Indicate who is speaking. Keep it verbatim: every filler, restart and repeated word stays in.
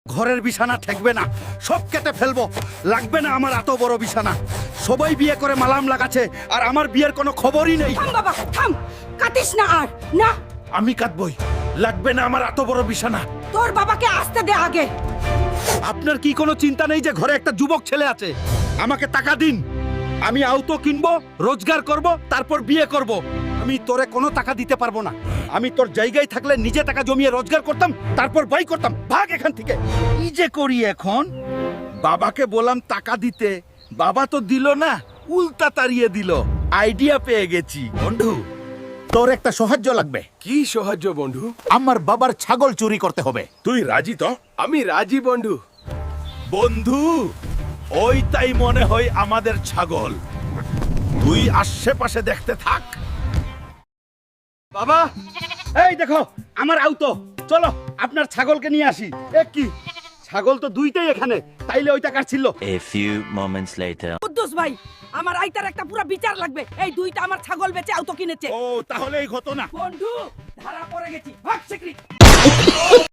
Speaker 1: ঘরের বিছানা ঠেকবে না, সব কেটে ফেলবো। লাগবে না আমার এত বড় বিছানা। সবাই বিয়ে করে মালাম লাগাচ্ছে আর আমার বিয়ের কোনো খবরই নেই।
Speaker 2: থাম বাবা থাম, কাটিস না আর না।
Speaker 1: আমি কাটবই, লাগবে না আমার এত বড় বিছানা।
Speaker 2: তোর বাবাকে আসতে দে আগে।
Speaker 1: আপনার কি কোনো চিন্তা নেই যে ঘরে একটা যুবক ছেলে আছে? আমাকে টাকা দিন, আমি আউটো কিনবো, রোজগার করব, তারপর বিয়ে করব। আমি তোরে কোনো টাকা দিতে পারবো না। আমি তোর জায়গায় থাকলে নিজে টাকা জমিয়ে রোজগার করতাম, তারপর বাই করতাম। ভাগ এখান থেকে। কি যে করি এখন? বাবাকে বললাম টাকা দিতে, বাবা তো দিল না, উল্টা তাড়িয়ে দিল। আইডিয়া পেয়ে গেছি। বন্ধু, তোর একটা সাহায্য লাগবে।
Speaker 3: কি সাহায্য বন্ধু?
Speaker 1: আমার বাবার ছাগল চুরি করতে হবে।
Speaker 3: তুই রাজি তো? আমি রাজি বন্ধু।
Speaker 1: বন্ধু, ওইটাই মনে হয় আমাদের ছাগল। তুই আশেপাশে দেখতে থাক। বাবা, এই দেখো আমার আউতো। চলো আপনার ছাগলকে নিয়ে আসি। এ কি, ছাগল তো দুইটাই এখানে, তাইলে ওইটা কাটছিল।
Speaker 4: A few moments later.
Speaker 2: Kuddus ভাই, আমার আইতার একটা পুরো বিচার লাগবে। এই দুইটা আমার ছাগল বেচে আউতো কিনেছে।
Speaker 1: ও, তাহলে এই ঘটনা।
Speaker 2: বন্ধু, ধরা পড়ে গেছি। ভাগ শিগগিরই।